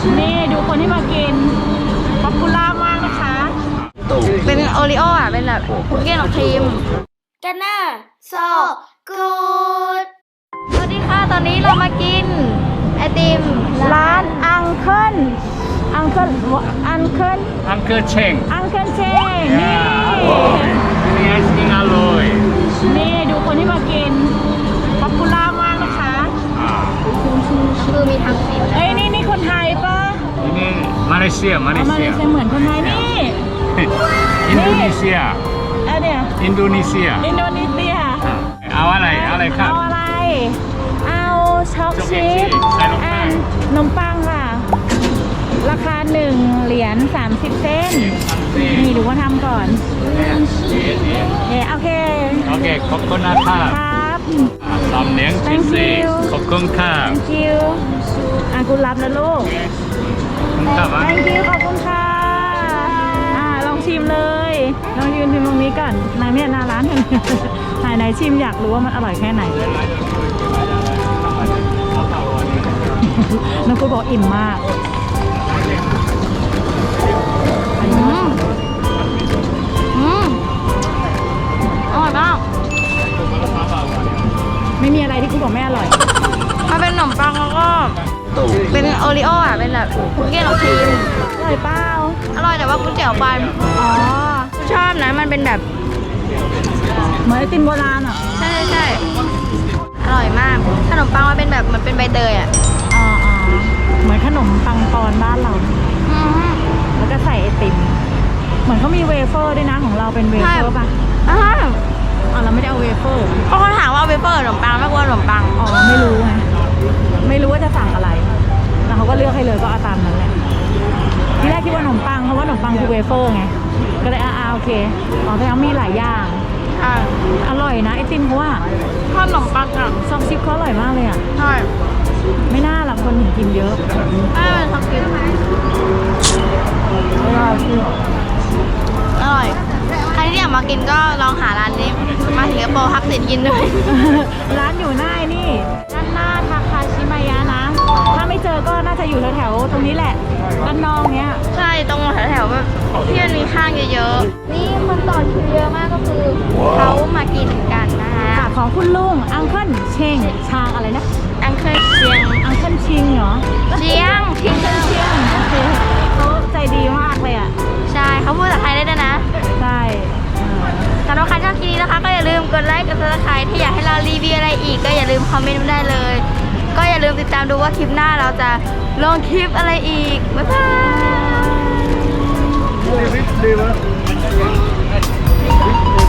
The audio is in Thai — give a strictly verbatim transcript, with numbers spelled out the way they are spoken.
นี่ดูคนที่มากินป๊อปปูล่ามากนะคะเป็นโอริโออ่ะเป็นแบบคุกกี้กับครีมกันน่าโซกูดสวัสดีค่ะตอนนี้เรามากินไอติมร้านอังเคิลอังเคิลอังเคิล Uncle Cheng อังเคิลเชงนี่นี่ไอศกรีมอร่อยนี่ดูคนที่มากินป๊อปปูล่ามากนะคะอ่าคือมีทั้งสิบเอ้ยนี่นี่คนไทยปะนี่มาเลเซียมาเลเอามาเซีเลย ยเหมือนคนไทยนี่อินโดนีเซียอันเนี้ยอินโดนีเซียอินโดนีเซียเอาอะไรอะไรครับเอาอะไรเอาช็อกช็อกชิพใส่นมปังนมปังค่ะราคาหนึ่งเหรียญสามสิบเซนต์นี่ดูว่าทำก่อนเนี่ยโอเคโอเคขอบคุณนะครัคบรับสามเลี้ยงพิเศษขอบคุณครับ thank you อ่ะคุณรับนะลูกครับ thank you ขอบคุณค่ะอ่าลองชิมเลยลองยืนชิมตรงนี้ก่อนนางเนี่ยหน้าร้านถ่ายไหนชิมอยากรู้ว่ามันอร่อยแค่ไหนน้องกูบอกอิ่มมากอืมอืมอร่อยมากไม่มีอะไรที่กูบอกไม่อร่อยมันเป็นขนมปังแล้วก็เป็นโอริโออ่ะเป็นแบบคุกกี้กับครีมอร่อยเปล่าอร่อยแต่ว่าก๋วยเตี๋ยวปันอ๋อชอบนะมันเป็นแบบเหมือนไอติมโบราณอ่ะใช่ใช่อร่อยมากขนมปังมันเป็นแบบมันเป็นใบเตยอ่ะอ๋ออ๋อเหมือนขนมปังปอนบ้านเราอืมแล้วก็ใส่ไอติม เหมือนเขามีเวเฟอร์ด้วยนะของเราเป็นเวเฟอร์ป่ะอ่าอ๋อเราไม่ได้เอาเวเฟอร์เพราะเขาถามว่าเวเฟอร์ขนมปังไม่กลัวขนมปังอ๋อไม่รู้ไง ไม่รู้ว่าจะสั่งอะไร แล้วเขาก็เลือกให้เลยก็เอาตามนั้นแหละ ที่แรกคิดว่าขนมปังเพราะว่าขนมปังคือเวเฟอร์ไง ก็เลยอ่าโอเค อ๋อแต่ยังมีหลายอย่างใช่อร่อยนะไอติมเขาว่าขนมปังอ่ะซองชิปเขาอร่อยมากเลยอ่ะใช่ไม่น่าหรอกคนถึงกินเยอะไม่เป็นช็อกกินอร่อยใครที่อยากมากินก็ลองหาร้านนี้มาสิงคโปร์พักสินกินด้วยร้านอยู่หน้านี่ด้านหน้าทาคาชิมายะนะ ถ้าไม่เจอก็น่าจะอยู่แถวๆตรงนี้แหละด้านนอกเนี้ยใช่ตรงแถวๆแบบที่มันมีห้างเยอะๆนี่คนต่อคิวเยอะมากก็คือเขามากินกันนะคะค่ะของคุณลุงอังเคิลเชงชางอะไรนะอังเคยเชียงอังเคิลชิงเหรอเชียงอังเคิลเชียงโอเคเขาใจดีมากเลยอ่ะใช่เขาพูดภาษาไทยได้ด้วยนะใช่เออสำหรับใครชอบคลิปนี้นะคะก็อย่าลืมกดไลค์กดซับสไครต์ถ้าอยากให้เรารีวิวอะไรอีกก็อย่าลืมคอมเมนต์มาได้เลย ก็อย่าลืมติดตามดูว่าคลิปหน้าเราจะลงคลิปอะไรอีกบ๊ายบาย